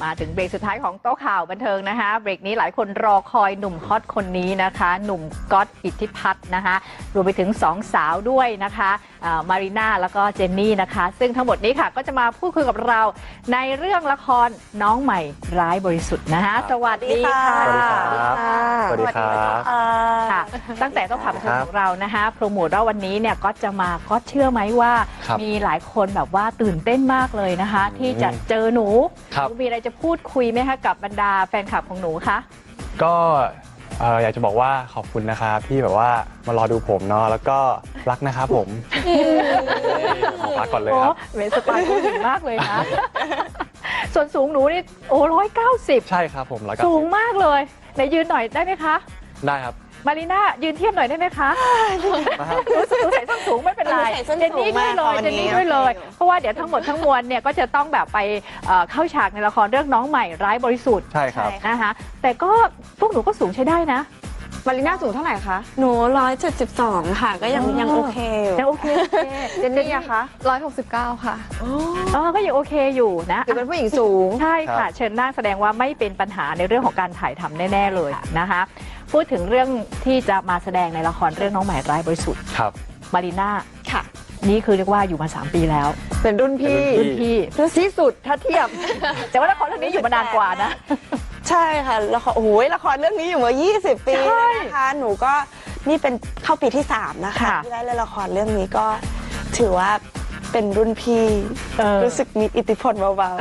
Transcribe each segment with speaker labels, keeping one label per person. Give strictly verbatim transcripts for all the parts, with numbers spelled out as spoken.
Speaker 1: มาถึงเบรกสุดท้ายของโต๊ะข่าวบันเทิงนะคะเบรกนี้หลายคนรอคอยหนุ่มฮอตคนนี้นะคะหนุ่มก๊อตอิทธิพัฒน์นะคะรวมไปถึงสองสาวด้วยนะคะมารีน่าแล้วก็เจนนี่นะคะซึ่งทั้งหมดนี้ค่ะก็จะมาพูดคุยกับเราในเรื่องละครน้องใหม่ร้ายบริสุทธิ์นะคะสวัสดีค่ะ
Speaker 2: สวัสดีครับสวัสดีครับ
Speaker 1: ค่ะตั้งแต่ต้องข่าวบันเทิงของเรานะคะโปรโมทว่าวันนี้เนี่ยก็จะมาก็เชื่อไหมว่ามีหลายคนแบบว่าตื่นเต้นมากเลยนะคะที่จะเจอหนูมีอะไรจะพูดคุยไหมคะกับบรรดาแฟนคลับของหนูคะ
Speaker 2: ก็อยากจะบอกว่าขอบคุณนะครับที่แบบว่ามารอดูผมเนาะแล้วก็รักนะครับผมขอรักก่อนเลยครับ
Speaker 1: เวสปาร์สูงมากเลยนะส่วนสูงหนูนี่โอ้ร้อยเก้าสิบ
Speaker 2: ใช่ครับผม
Speaker 1: สูงมากเลยไหนยืนหน่อยได้ไหมคะ
Speaker 2: ได้ครับ
Speaker 1: มารีน่ายืนเทียบหน่อยได้ไหมคะรู้สึกใส่ส้นสูงไม่เป็นไรเจนนี่ด้วยเลยเจนนี่ด้วยเลยเพราะว่าเดี๋ยวทั้งหมดทั้งมวลเนี่ยก็จะต้องแบบไปเข้าฉากในละครเรื่องน้องใหม่ร้ายบริสุทธิ์
Speaker 2: ใช่ครับ
Speaker 1: นะคะแต่ก็พวกหนูก็สูงใช้ได้นะ
Speaker 3: มารีน่าสูงเท่าไหร่คะหนูร้อยเจ็ดสิบสองค่ะก็ยังยังโอเค
Speaker 1: ยังโอเค
Speaker 3: เจนนี่อะคะ
Speaker 4: ร้อยหกสิบเก้าค่ะ
Speaker 1: อ๋อก็ยังโอเคอยู่นะ
Speaker 3: คือเป็นผู้หญิงสูง
Speaker 1: ใช่ค่ะเชิญนั่งแสดงว่าไม่เป็นปัญหาในเรื่องของการถ่ายทำแน่ๆเลยนะคะพูดถึงเรื่องที่จะมาแสดงในละครเรื่องน้องใหม่ร้ายบริสุทธิ์
Speaker 2: ครับ
Speaker 1: มารีน่า
Speaker 3: ค่ะ
Speaker 1: นี่คือเรียกว่าอยู่มาสามปีแล้ว
Speaker 3: เป็นรุ่นพี่
Speaker 1: รุ่นพี่
Speaker 3: ที่สุดถ้าเทียบ
Speaker 1: แต่ว่าละครเรื่องนี้อยู่มานานกว่านะ
Speaker 3: ใช่ค่ะละครโอ้โหละครเรื่องนี้อยู่มายี่สิบปีนะคะหนูก็นี่เป็นเข้าปีที่สามนะคะที่ได้เล่นละครเรื่องนี้ก็ถือว่าเป็นรุ่นพี่รู้สึกมีอิทธิพลเบา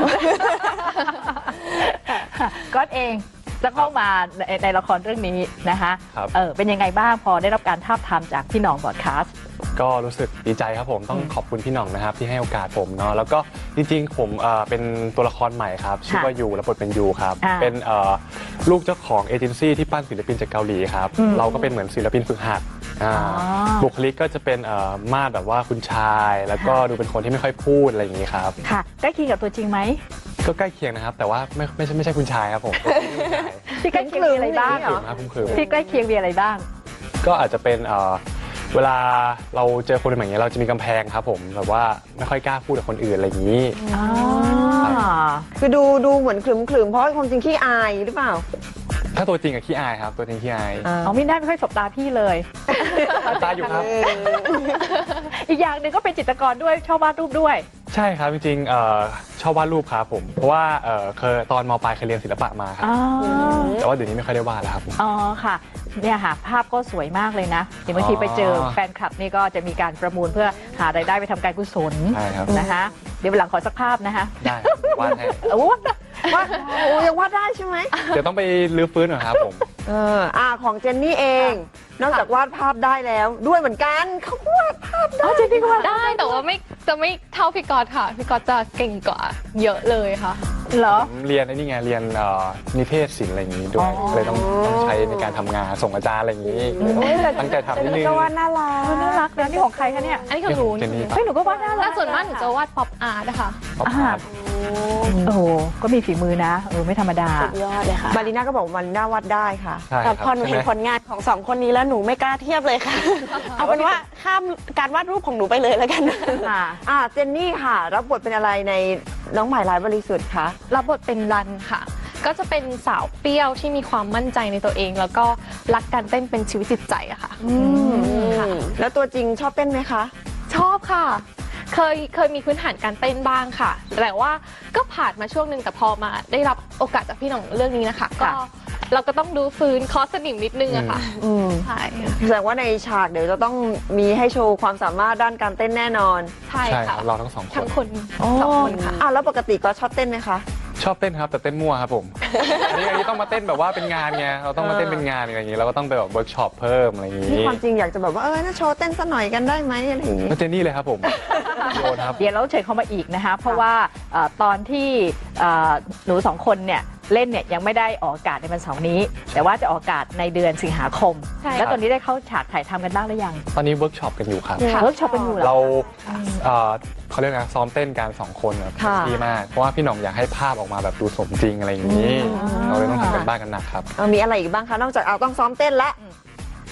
Speaker 1: ๆก็เองจะเข้ามาในละครเรื่องนี้นะคะเออเป็นยังไงบ้างพอได้รับการทาบทามจากพี่หน่องบอดคาสต์
Speaker 2: ก็รู้สึกดีใจครับผมต้องขอบคุณพี่หน่องนะครับที่ให้โอกาสผมเนาะแล้วก็จริงๆผมเป็นตัวละครใหม่ครับชื่อว่ายูและบทเป็นยูครับเป็นลูกเจ้าของเอเจนซี่ที่ปั้นศิลปินจากเกาหลีครับเราก็เป็นเหมือนศิลปินฝึกหัดบุคลิกก็จะเป็นมาดแบบว่าคุณชายแล้วก็ดูเป็นคนที่ไม่ค่อยพูดอะไรอย่างนี้ครับ
Speaker 1: ค่ะใกล้เคียงกับตัวจริงไหม
Speaker 2: ก็ใกล้เคียงนะครับแต่ว่าไม่ไม่ใช่ไม่ใช่คุณชายครับผม
Speaker 1: ที่ใกล้เคียงมีอะไรบ้างที่ใกล้เคียงมีอะไรบ้าง
Speaker 2: ก็อาจจะเป็นเวลาเราเจอคนแบบนี้เราจะมีกำแพงครับผมแบบว่าไม่ค่อยกล้าพูดกับคนอื่นอะไรอย่างนี้
Speaker 3: คือดูดูเหมือนขรึมขรึมเพราะความจริงขี้อายหรือเปล่า
Speaker 2: ถ้าตัวจริงกับขี้อายครับตัวจริงขี้อาย
Speaker 1: อ๋อไม่ได้ไม่ค่อยสบตาพี่เลย
Speaker 2: ตาอยู่ครับ
Speaker 1: อีกอย่างหนึ่งก็เป็นจิตรกรด้วยชอบวาดรูปด้วย
Speaker 2: ใช่ครับจริงๆชอบวาดรูปครับผมเพราะว่าเคยตอนม.ปลายเคยเรียนศิลปะมาครับแต่ว่าเดี๋ยวนี้ไม่ค่อยได้วาดแล้วครับ
Speaker 1: อ๋อค่ะเนี่ยค่ะภาพก็สวยมากเลยนะเดี๋ยวบางทีไปเจอแฟนคลับนี่ก็จะมีการประมูลเพื่อหารายได้ไปทำการกุศลนะคะเดี๋ยววันหลังขอสักภาพนะคะ
Speaker 2: ได้วาดให้
Speaker 1: โอ้วาดโอ้ยังวาดได้ใช่ไหม
Speaker 2: เดี๋ยวต้องไปรื้อฟื้นหน่อยครับผม
Speaker 3: เอออ่าของเจนนี่เองนอกจากวาดภาพได้แล้วด้วยเหมือนกันเขาวาดภาพได้
Speaker 1: เจนนี่ก็วาด
Speaker 4: ได้แต่ว่าไม่จะไม่เท่าพี่ก๊อตค่ะพี่ก๊อตจะเก่งกว่าเยอะเลยค่ะ
Speaker 1: เหรอ
Speaker 2: เรียนไอ้นี่ไงเรียนนิเทศศิลป์อะไรอย่างนี้ด้วยเลยต้องต้องใช้ในการทำงานส่งอาจารย์อะไรอย่างนี้ตั้งใจทำนิดนึง
Speaker 3: ก็วาดน่ารัก
Speaker 1: น่ารักนะนี่ของใครคะเนี่ย
Speaker 4: อันนี้ของหนู
Speaker 1: เฮ้ยหนูก็วาดน่ารัก
Speaker 4: ส่วนมากหนูจะวาดป๊อปอาร์ตนะคะ
Speaker 2: ป๊อปอาร์ต
Speaker 1: โอ้โหก็มีฝีมือนะเออไม่ธรรมดา
Speaker 3: สุดยอดเลยค่ะมารีน่าก็บอกมารีน่าวาดได้ค่ะแต่พอหนูเห็นผลงานของสองคนนี้แล้วหนูไม่กล้าเทียบเลยค่ะเอาเป็นว่าข้ามการวาดรูปของหนูไปเลยแล้วกันค่ะอ่าเจนนี่ค่ะรับบทเป็นอะไรในน้องใหม่ร้ายบริสุทธิ์คะ
Speaker 4: รับบทเป็นรันค่ะก็จะเป็นสาวเปรี้ยวที่มีความมั่นใจในตัวเองแล้วก็รักการเต้นเป็นชีวิตจิตใจอะค่ะ
Speaker 3: แล้วตัวจริงชอบเต้นไหมคะ
Speaker 4: ชอบค่ะเคยเคยมีพื้นฐานการเต้นบ้างค่ะแต่ว่าก็ผ่านมาช่วงหนึ่งแต่พอมาได้รับโอกาสจากพี่หน่องเรื่องนี้นะคะก็เราก็ต้องดูฟื้นคอสนิมนิดนึงอะค่ะใช่
Speaker 3: แสดงว่าในฉากเดี๋ยวจะต้องมีให้โชว์ความสามารถด้านการเต้นแน่นอน
Speaker 4: ใช่ค่ะ
Speaker 2: เราทั้งสองคน
Speaker 4: ทั้งคนสองคนค่ะ
Speaker 3: อ้าวแล้วปกติก็ชอบเต้นไหมคะ
Speaker 2: ชอบเต้นครับแต่เต้นมั่วครับผมอันนี้อันนี้ต้องมาเต้นแบบว่าเป็นงานไงเราต้องมาเต้นเป็นงานอะไรอย่างนี้เราก็ต้องไปแบบเวิร์กช็อปเพิ่มอะไรอย่างนี้
Speaker 3: ความจริงอยากจะแบบว่าเออน่าโชว์เต้นสักหน่อยกันได้ไหมอะไรอย่างนี้
Speaker 2: เจนนี่เลยครับผม
Speaker 1: โยนครับเดี๋ยวเราเชิญเขามาอีกนะคะเพราะว่าตอนที่หนูสองคนเนี่ยเล่นเนี่ยยังไม่ได้ออกอากาศในวันเสาร์นี้แต่ว่าจะออกอากาศในเดือนสิงหาคมแล้วตอนนี้ได้เข้าฉากถ่ายทำกันบ้างหรือยัง
Speaker 2: ตอนนี้เวิร์กช็อปกันอยู่ครับ
Speaker 1: เวิร์กช็อปกันอยู่
Speaker 2: เราเขาเรียกนะซ้อมเต้นกันสองคนแบบดีมากเพราะว่าพี่หน่องอยากให้ภาพออกมาแบบดูสมจริงอะไรอย่างนี้เราเลยต้องทำกันบ้านกันหนักครับ
Speaker 3: มีอะไรอีกบ้างคะนอกจากเอาต้องซ้อมเต้นละ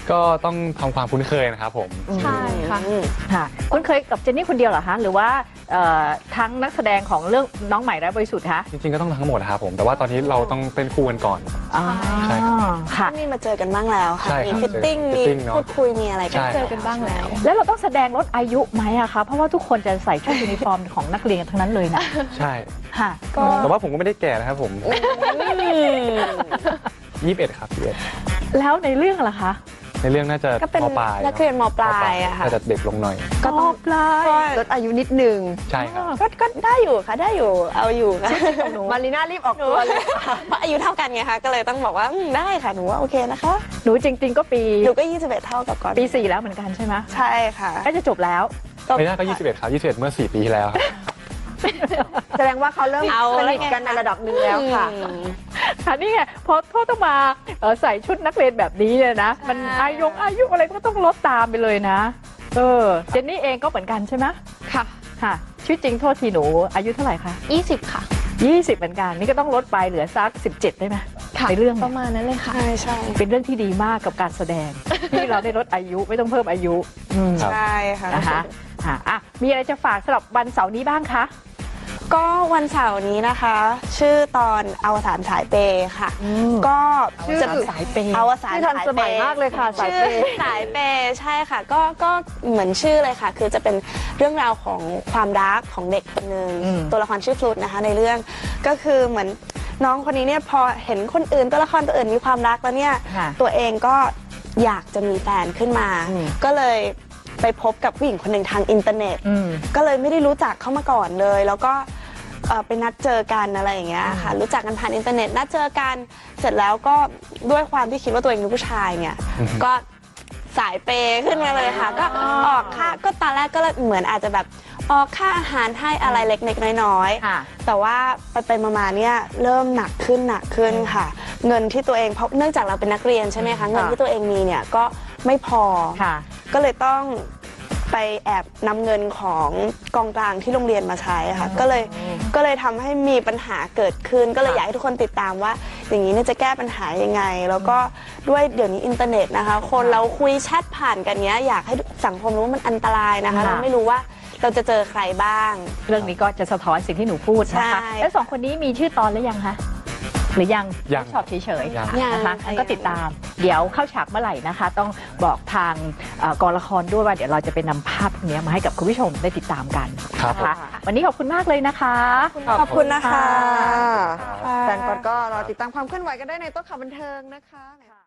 Speaker 2: ก็ต้องทำความคุ้นเคยนะครับผม
Speaker 4: ใช่ค่ะ
Speaker 1: ค่ะคุณเคยกับเจนนี่คนเดียวเหรอคะหรือว่าเอ่อทั้งนักแสดงของเรื่องน้องใหม่และบริสุทธิ์คะ
Speaker 2: จริงๆก็ต้องทั้งหมดนะครับผมแต่ว่าตอนนี้เราต้องเต้นคู่กันก่อน
Speaker 1: อ๋อ
Speaker 2: ใช่ครับ
Speaker 1: ค่ะ
Speaker 3: นี่มาเจอกันบ้างแล้วค่ะ
Speaker 2: ใช่
Speaker 3: มี
Speaker 2: ครับ
Speaker 3: ฟิตติ้ง
Speaker 2: เจอ
Speaker 3: มี
Speaker 2: fitting เนอะ
Speaker 3: พูดคุยมีอะไรกัน
Speaker 2: ใช่
Speaker 4: เจอกันบ้างแล้ว
Speaker 1: แล้วเราต้องแสดงลดอายุไหมอะคะเพราะว่าทุกคนจะใส่ชุดยูนิฟอร์มของนักเรียนกันทั้งนั้นเลยนะ
Speaker 2: ใช่
Speaker 1: ค่ะ
Speaker 2: แต่ว่าผมก็ไม่ได้แก่นะครับผมยี่สิบเอ็ดครับยี่สิบเอ็ด
Speaker 1: แล้วในเรื่องล่ะคะ
Speaker 2: ในเรื่องน่าจะ
Speaker 3: ก็เป็น
Speaker 2: มปลาย
Speaker 3: นักเรียนมปลายอะค่ะ
Speaker 2: น่าจะเด็กลงหน่อย
Speaker 1: ก็ต้องปลาย
Speaker 3: ลดอายุนิดนึง
Speaker 2: ใช่ครับ
Speaker 3: ก็ก็ได้อยู่ค่ะได้อยู่เอาอยู่ค่ะ
Speaker 1: มารีน่ารีบออกตัวเลย
Speaker 3: เพราะอายุเท่ากันไงคะก็เลยต้องบอกว่าอืมได้ค่ะหนูว่าโอเคนะคะ
Speaker 1: หนูจริง ๆ ก็ปี
Speaker 3: หนูก็ยี่สิบเอ็ดเท่ากับก่อน
Speaker 1: ปีสี่แล้วเหมือนกันใช่ไหม
Speaker 3: ใช่ค่ะ
Speaker 1: ก็จะจบแล้ว
Speaker 2: ไม่น่าก็ยี่สิบเอ็ดครับยี่สิบเอ็ดเมื่อสี่ปีที่แล้วครับ
Speaker 3: แสดงว่าเขาเริ่ม
Speaker 1: เอา
Speaker 3: ส
Speaker 1: แล้ว
Speaker 3: นิท
Speaker 1: ไง
Speaker 3: กันในระดับหนึ่งแล้วค่ะ
Speaker 1: ค่ะนี่ไงพอพ่อต้องมาเอ่อใส่ชุดนักเรียนแบบนี้เนี่ยนะ มันอายุอายุอะไรก็ต้องลดตามไปเลยนะเออเจนนี่เองก็เหมือนกันใช่ไหม
Speaker 4: ค่ะ
Speaker 1: ค่ะชีวิตจริงโทษทีหนูอายุเท่าไหร่คะ
Speaker 4: ยี่สิบค่ะ
Speaker 1: ยี่สิบเหมือนกันนี่ก็ต้องลดไปเหลือสักสิบเจ็ดได้ไหม
Speaker 4: ค่ะ
Speaker 1: ในเรื่อง
Speaker 4: ป
Speaker 1: เนี่ย
Speaker 4: ระมาณนั้นเลยค่ะ
Speaker 3: ใช่ใช่
Speaker 1: เป็นเรื่องที่ดีมากกับการแสดง ที่เราได้ลดอายุไม่ต้องเพิ่มอายุอืม
Speaker 2: ครับ
Speaker 3: ใช่ค่ะ
Speaker 1: นะคะอ่ะอ่ะมีอะไรจะฝากสำหรับวันเสาร์นี้บ้างคะ
Speaker 3: ก็วันเสาร์นี้นะคะ ชื่อตอนอวสานสายเปย์ค่ะ ก็
Speaker 1: ชื่อ
Speaker 3: จะ
Speaker 1: สายเปย์
Speaker 3: อวสาน
Speaker 1: ที่ทัน
Speaker 3: สาย
Speaker 1: ส
Speaker 3: เป
Speaker 1: มัย
Speaker 3: ย์
Speaker 1: มากเลยค่ะสายเปย์
Speaker 3: ชื่อสายเปย์ใช่ค่ะก็ก็เหมือนชื่อเลยค่ะ คือจะเป็นเรื่องราวของความรักของเด็กคนหนึ่ง
Speaker 1: อืม
Speaker 3: ตัวละครชื่อฟลุตนะคะในเรื่องก็คือเหมือนน้องคนนี้เนี่ยพอเห็นคนอื่นตัวละครตัวอื่นมีความรักแล้วเนี่ย
Speaker 1: ค่ะ
Speaker 3: ตัวเองก็อยากจะมีแฟนขึ้นมา
Speaker 1: อืม
Speaker 3: ก็เลยไปพบกับผู้หญิงคนหนึ่งทางอินเทอร์เน็ต
Speaker 1: อืม
Speaker 3: ก็เลยไม่ได้รู้จักเขามาก่อนเลย แล้วก็เอ่อไปนัดเจอกันอะไรอย่างเงี้ยค่ะรู้จักกันผ่านอินเทอร์เน็ตนัดเจอกันเสร็จแล้วก็ด้วยความที่คิดว่าตัวเองเป็นผู้ชายเนี่ยก็สายเปย์ขึ้นมาเลยค่ะ ก็ออกค่าก็ตอนแรกก็เหมือนอาจจะแบบออกค่าอาหารให้อะไรเล็กๆน้อยๆ
Speaker 1: ค่ะ
Speaker 3: แต่ว่าไปไปๆมาๆเนี่ยเริ่มหนักขึ้นหนักขึ้นค่ะ เงินที่ตัวเองเพราะเนื่องจากเราเป็นนักเรียนใช่ไหมคะเงินที่ตัวเองมีเนี่ยก็ไม่พอ
Speaker 1: ค่ะ
Speaker 3: ก็เลยต้องไปแอบนำเงินของกองกลางที่โรงเรียนมาใช้ค่ะก็เลยก็เลยทำให้มีปัญหาเกิดขึ้น ก็เลยอยากให้ทุกคนติดตามว่า อย่างนี้เนี่ยจะแก้ปัญหายังไง แล้วก็ด้วยเดี๋ยวนี้อินเทอร์เน็ตนะคะ คนเราคุยแชทผ่านกันเนี้ยอยากให้สังคมรู้ว่ามันอันตรายนะคะ
Speaker 1: ค่ะ
Speaker 3: เราไม่รู้ว่าเราจะเจอใครบ้าง
Speaker 1: เรื่องนี้ก็จะสะท้อนสิ่งที่หนูพูดนะคะ
Speaker 3: ใช่
Speaker 1: แล้วสองคนนี้มีชื่อตอนหรือยังคะหรือยัง
Speaker 2: ยัง
Speaker 1: ชอบเฉยๆ
Speaker 2: ยัง
Speaker 1: นะคะงั้นก็ติดตาม เดี๋ยวเข้าฉากเมื่อไหร่นะคะ ต้องบอกทางเอ่อกองละครด้วยว่าเดี๋ยวเราจะไปนำภาพพวกนี้มาให้กับคุณผู้ชมได้ติดตามกัน
Speaker 2: ครับ
Speaker 1: นะคะวันนี้ขอบคุณมากเลยนะคะ
Speaker 3: ขอบคุณนะคะ
Speaker 2: ครับ
Speaker 3: แฟนกดก็รอติดตามความเคลื่อนไหวกันได้ในโต๊ะข่าวบันเทิงนะคะ